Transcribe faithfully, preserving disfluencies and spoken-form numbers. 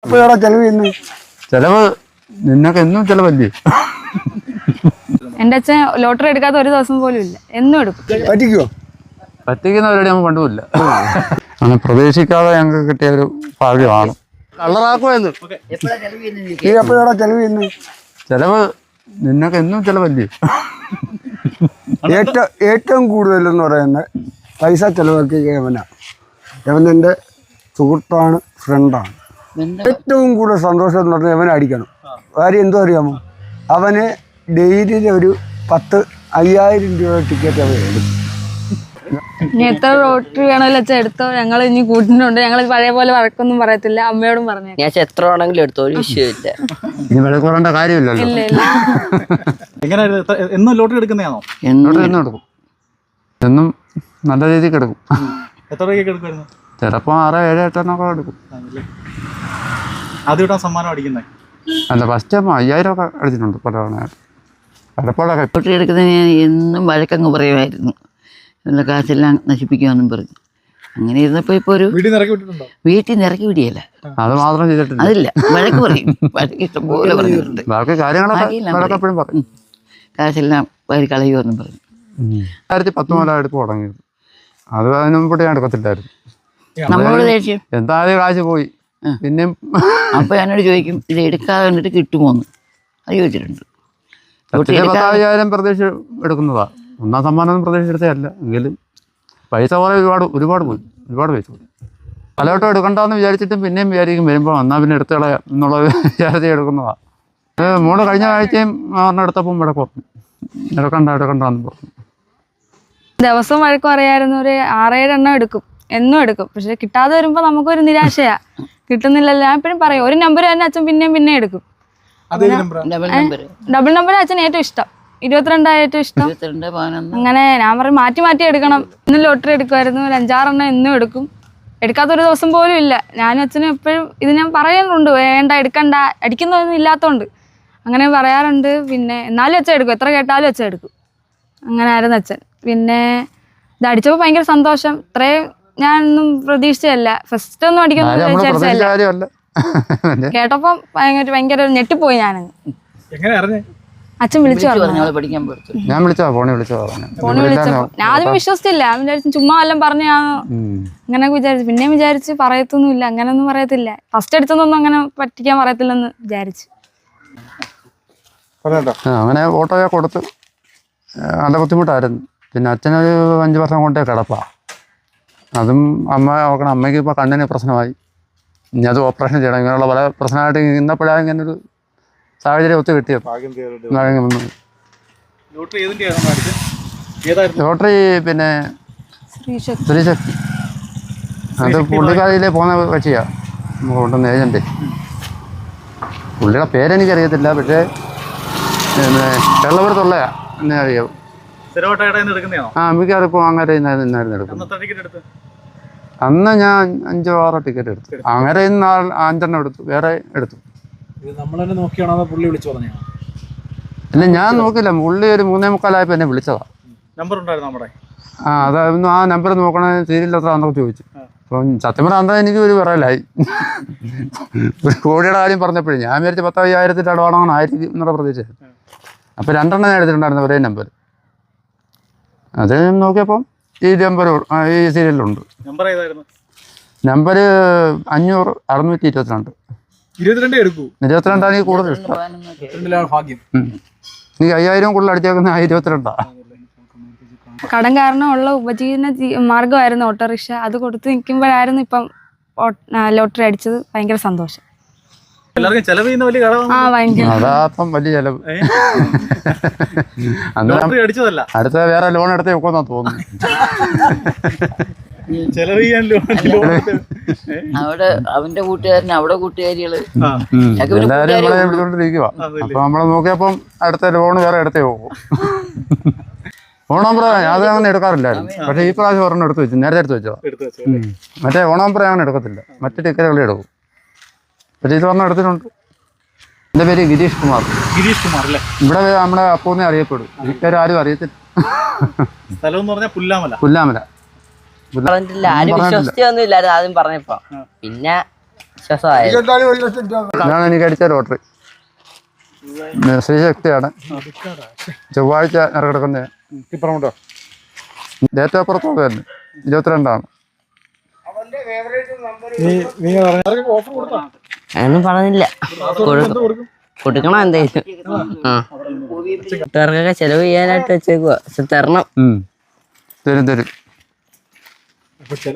എപ്പോഴാ ചെലവ് ചെയ്യുന്നത്? ചെലവ് നിന്നൊക്കെ എന്നും ചെലവല്ലേ? എന്റെ അച്ഛൻ ലോട്ടറി എടുക്കാത്ത ഒരു ദിവസം പോലും ഇല്ല, എന്നും എടുക്കും. പറ്റിക്കോ? പറ്റിക്കുന്ന പരിപാടി നമുക്ക് കണ്ടുമില്ല. അങ്ങനെ പ്രതീക്ഷിക്കാതെ ഞങ്ങൾക്ക് കിട്ടിയ ഒരു ഭാഗ്യമാണ്. കളറാക്കുമായിരുന്നു. നീ എപ്പോഴാ ചെലവ് ചെയ്യുന്നത്? ചെലവ് നിന്നൊക്കെ എന്നും ചെലവല്ലേ? ഏറ്റവും ഏറ്റവും കൂടുതലെന്ന് പറയുന്നത് പൈസ ചെലവാക്കിയ യവനാ. യവൻ എൻ്റെ സുഹൃത്താണ്, ഫ്രണ്ടാണ്. ഏറ്റവും കൂടുതൽ സന്തോഷം എന്ന് പറഞ്ഞാൽ യവനെ അടിക്കണം. കാര്യം എന്തോ അറിയാമോ, അവന് ഡെയിലി ഒരു പത്ത് അയ്യായിരം രൂപ ടിക്കറ്റ് അവൻ എടുക്കും. ഇനി എത്ര ലോട്ടറി വേണമല്ലോ അച്ഛൻ എടുത്തോ, ഞങ്ങൾ ഇനി കൂട്ടിനുണ്ട്. ഞങ്ങൾ പഴയ പോലെ വഴക്കൊന്നും പറയത്തില്ല, അമ്മയോടും പറഞ്ഞു. ഞാൻ എത്ര വേണമെങ്കിലും എടുത്തോ, ഒരു വിഷയമില്ല. ഇനി വില കുറേണ്ട കാര്യമില്ലല്ലോ. ഇല്ല ഇല്ല. എന്നും ലോട്ടറി എടുക്കുന്നതാണോ? ലോട്ടറി എന്നും എടുക്കും, എന്നും നല്ല രീതിക്ക് എടുക്കും. എത്ര രൂപയ്ക്ക് എടുക്കുമായിരുന്നു? ചിലപ്പോൾ ആറ് ഏഴ് എട്ടെണ്ണൊക്കെ എടുക്കും. ആദ്യം ഇട്ടാൻ സമ്മാനം അടിക്കുന്നത് അല്ല, ഫസ്റ്റ് ആകുമ്പോൾ അയ്യായിരം ഒക്കെ അടിച്ചിട്ടുണ്ട് പല തവണയായിട്ട്. പലപ്പോഴൊക്കെ ലോട്ടറി എടുക്കുന്നതിന് ഞാൻ എന്നും വഴക്കങ്ങ് പറയുമായിരുന്നു, നല്ല കാശെല്ലാം നശിപ്പിക്കുമെന്നും പറഞ്ഞു. അങ്ങനെ ഇരുന്നപ്പോൾ ഇപ്പോൾ ഒരു വീട്ടിൽ നിന്ന് ഇറക്കി വിട്ടിട്ടുണ്ടോ? വീട്ടിൽ നിന്ന് ഇറക്കി വിടിയല്ല, അത് മാത്രം ചെയ്തിട്ടില്ല. അതില്ല, വഴക്ക് പറയും. വഴക്ക് ഇഷ്ടംപോലെ പറഞ്ഞിട്ടുണ്ട്. ബാക്കി കാര്യങ്ങളൊക്കെ പറയും. കാശെല്ലാം വരി കളയുമെന്നും പറഞ്ഞു. രണ്ടായിരത്തി പത്തൊമ്പതിലാണ് എടുത്ത് തുടങ്ങിയത്. അത് അതിന് മുമ്പ് ഞാൻ എടുക്കത്തില്ലായിരുന്നു. നമ്മളോട് ദേഷ്യം എന്തായാലും കാശ് പോയി. പിന്നെ അപ്പോൾ എന്നോട് ചോദിക്കും, ഇത് എടുക്കാതെ കണ്ടിട്ട് കിട്ടുമോന്ന്. അത് ചോദിച്ചിട്ടുണ്ട്. പത്തായിരം പ്രതീക്ഷ എടുക്കുന്നതാ. ഒന്നാം സമ്മാനം പ്രതീക്ഷ എടുത്തതല്ല, എങ്കിലും പൈസ പോലെ ഒരുപാട് ഒരുപാട് പോയി, ഒരുപാട് പൈസ പോയി. പലവട്ടം എടുക്കണ്ടെന്ന് വിചാരിച്ചിട്ടും പിന്നെയും വിചാരിക്കും വരുമ്പോൾ എന്നാൽ പിന്നെ എടുത്ത് കളയാം എന്നുള്ളത് വിചാരിച്ച് എടുക്കുന്നതാണ്. മോള് കഴിഞ്ഞ ആഴ്ചയും പറഞ്ഞ എടുത്തപ്പം ഇവിടെ പറഞ്ഞു എടുക്കണ്ട എടുക്കണ്ടെന്ന് പറഞ്ഞു. ദിവസം വഴക്ക് പറയായിരുന്നു. ഒരു ആറേഴ് എണ്ണം എടുക്കും, എന്നും എടുക്കും. പക്ഷെ കിട്ടാതെ വരുമ്പോൾ നമുക്കൊരു നിരാശയാ. കിട്ടുന്നില്ലല്ലോ. ഞാൻ എപ്പോഴും പറയും, ഒരു നമ്പർ തന്നെ അച്ഛൻ പിന്നെയും പിന്നെ എടുക്കും. ഡബിൾ നമ്പർ അച്ഛൻ ഏറ്റവും ഇഷ്ടം, ഇരുപത്തിരണ്ടാ ഏറ്റവും ഇഷ്ടം. അങ്ങനെ ഞാൻ പറയും മാറ്റി മാറ്റി എടുക്കണം. ഇന്ന് ലോട്ടറി എടുക്കുമായിരുന്നു, ഒരു അഞ്ചാറെണ്ണം എന്നും എടുക്കും. എടുക്കാത്തൊരു ദിവസം പോലും ഇല്ല. ഞാനും അച്ഛനും എപ്പോഴും ഇത് ഞാൻ പറയാറുണ്ട്, വേണ്ട എടുക്കണ്ട, അടിക്കുന്നതൊന്നും ഇല്ലാത്തതുകൊണ്ട് അങ്ങനെ പറയാറുണ്ട്. പിന്നെ എന്നാലും അച്ഛൻ എടുക്കും, എത്ര കേട്ടാലും അച്ഛൻ എടുക്കും. അങ്ങനെ ആയിരുന്നു അച്ഛൻ. പിന്നെ ഇത് അടിച്ചപ്പോൾ ഭയങ്കര സന്തോഷം. ഇത്രയും ഞാനൊന്നും പ്രതീക്ഷിച്ചതല്ല. ഫസ്റ്റ് ഒന്നും അടിക്കുന്നു വിചാരിച്ചതല്ല. കേട്ടപ്പം ഭയങ്കര ഭയങ്കര ഞെട്ടിപ്പോയി ഞാനങ്ങ്. അച്ഛൻ വിളിച്ചു ഞാൻ വിളിച്ചോ ഫോണിൽ വിളിച്ചോ ഫോണിൽ വിളിച്ചപ്പോ ഞാൻ ആദ്യം വിശ്വസിച്ചില്ല. ഞാൻ വിചാരിച്ചു ചുമ്മാ വല്ലതും പറഞ്ഞാണോ അങ്ങനെയൊക്കെ വിചാരിച്ചു. പിന്നെ വിചാരിച്ച് പറയത്തൊന്നുമില്ല, അങ്ങനെയൊന്നും പറയത്തില്ല. ഫസ്റ്റ് എടുത്തൊന്നും അങ്ങനെ പറ്റിക്കാൻ പറയത്തില്ലെന്ന് വിചാരിച്ചു. അങ്ങനെ ഓട്ടോയെ കൊടുത്ത് നല്ല ബുദ്ധിമുട്ടായിരുന്നു. പിന്നെ അച്ഛനൊരു അഞ്ച് വർഷം കൊണ്ടേ കിടപ്പാ. അതും അമ്മ നോക്കണം. അമ്മയ്ക്ക് ഇപ്പോൾ കണ്ണിന് പ്രശ്നമായി, ഇനി അത് ഓപ്പറേഷൻ ചെയ്യണം. ഇങ്ങനെയുള്ള പല പ്രശ്നമായിട്ട് ഇന്നപ്പോഴാണ് ഇങ്ങനൊരു സാഹചര്യം ഒത്തു കിട്ടിയത്. ലോട്ടറി പിന്നെ സ്ത്രീശക്തി, അത് പുള്ളിക്കാരിയിലേ പോകുന്ന കക്ഷിയാ നമുക്ക് കൊണ്ടുവന്ന ഏജന്റ്. പുള്ളിയുടെ പേരെനിക്കറിയത്തില്ല, പക്ഷേ പിന്നെ കേരളപുരത്തുള്ളയാ എന്നെ അറിയാവും. ആ മിക്കവാറും ഇപ്പോൾ അങ്ങനെ നിന്നായിരുന്നു എടുക്കുന്നത്. അന്ന് ഞാൻ അഞ്ചോ ആറോ ടിക്കറ്റ് എടുത്തു. അങ്ങനെ ഇന്ന് അഞ്ചെണ്ണം എടുത്തു, വേറെ എടുത്തു. ഇല്ല ഞാൻ നോക്കില്ല, പുള്ളി ഒരു മൂന്നേ മുക്കാലായപ്പോൾ എന്നെ വിളിച്ചതാ. ആ അതായിരുന്നു. ആ നമ്പർ നോക്കണേ സീരിയൽ എത്ര എന്നൊക്കെ ചോദിച്ചു. അപ്പം സത്യം പറഞ്ഞാൽ അന്താ എനിക്ക് ഒരു വിറയലായി. ഒരു കോടിയുടെ കാര്യം പറഞ്ഞപ്പോഴേ ഞാൻ വിചാരിച്ച പത്ത് അയ്യായിരത്തിൻ്റെ അടവാണെന്ന് ആയിരിക്കും എന്നുള്ള പ്രതീക്ഷ. അപ്പോൾ രണ്ടെണ്ണം ഞാൻ എടുത്തിട്ടുണ്ടായിരുന്നു ഒരേ നമ്പർ. അത് നോക്കിയപ്പം ഈ നമ്പർ ഈ സീരിയലിലുണ്ട്. നമ്പർ അഞ്ഞൂറ് അറുന്നൂറ്റി ഇരുപത്തിരണ്ട് ഇരുപത്തിരണ്ടാണ് എനിക്ക് കൂടുതൽ ഇഷ്ടം. എനിക്ക് അയ്യായിരം കൂടുതൽ അടിച്ചേക്കുന്ന ഇരുപത്തിരണ്ടാ. കടം കാരണമുള്ള ഉപജീവന മാർഗമായിരുന്നു ഓട്ടോറിക്ഷ. അത് കൊടുത്ത് നിൽക്കുമ്പോഴായിരുന്നു ഇപ്പം ലോട്ടറി അടിച്ചത്. ഭയങ്കര സന്തോഷം. ആ ഭയങ്കര അതാപ്പം വലിയ ചെലവ്. അടുത്ത വേറെ ലോൺ എടുത്തേ വെക്കുമെന്നാ തോന്നുന്നു. അവിടെ അവന്റെ കൂട്ടുകാരൻ, അവിടെ കൂട്ടുകാരികള് എല്ലാരും നമ്മളെ വിളിച്ചോണ്ടിരിക്കുക. അപ്പൊ നമ്മളെ നോക്കിയപ്പം അടുത്ത ലോൺ വേറെ എടുത്തേ പോകും. ഓണാമ്പറ അത് അങ്ങനെ എടുക്കാറില്ലായിരുന്നു. പക്ഷേ ഈ പ്രാവശ്യം ഒരെണ്ണം എടുത്ത് വെച്ചു, നേരത്തെ എടുത്ത് വെച്ചോ. മറ്റേ ഓണാമ്പറ അങ്ങനെ എടുക്കത്തില്ല, മറ്റു ടിക്കറ്റുകളെ എടുക്കും. പക്ഷേ ഇത് ഒരെണ്ണം എടുത്തിട്ടുണ്ട്. എൻ്റെ പേര് ഗിരീഷ് കുമാർ. ഗിരീഷ് കുമാർ അല്ലേ? ഇവിടെ നമ്മുടെ അപ്പൂന്നെ അറിയപ്പെടും. ഈ ആരും അറിയത്തില്ല. പുല്ലാമല. ആരും വിശ്വസിച്ചൊന്നും ഇല്ലായിരുന്നു ആദ്യം പറഞ്ഞപ്പോ. പിന്നെ വിശ്വാസമായത്. ഇരുപത്തിനാല് ഒരു ലക്ഷം രൂപ ഇതാണ് എനിക്ക് അടിച്ച ലോട്ടറി. ശ്രീശക്തിയാണ്. ചൊവ്വാഴ്ച ഇറക്കിടക്കുന്നത്. ഇപ്പറമുണ്ടോ? ഡേറ്റ് ഓഫ് ബർത്ത് തന്നെ ഇരുപത്തിരണ്ടാണ്. നീ നീ പറഞ്ഞ ഓഫർ കൊടുത്താ? ഒന്നും പറഞ്ഞില്ല. എന്ത് കൊടുക്കും? കൊടുക്കണം എന്തായാലും. ആ കൂട്ടുകാർക്കൊക്കെ ചെലവ് ചെയ്യാനായിട്ട് വെച്ചേക്കുവാ. പക്ഷെ തരണം. ഉം. തരും തരും. അപ്പൊ ചില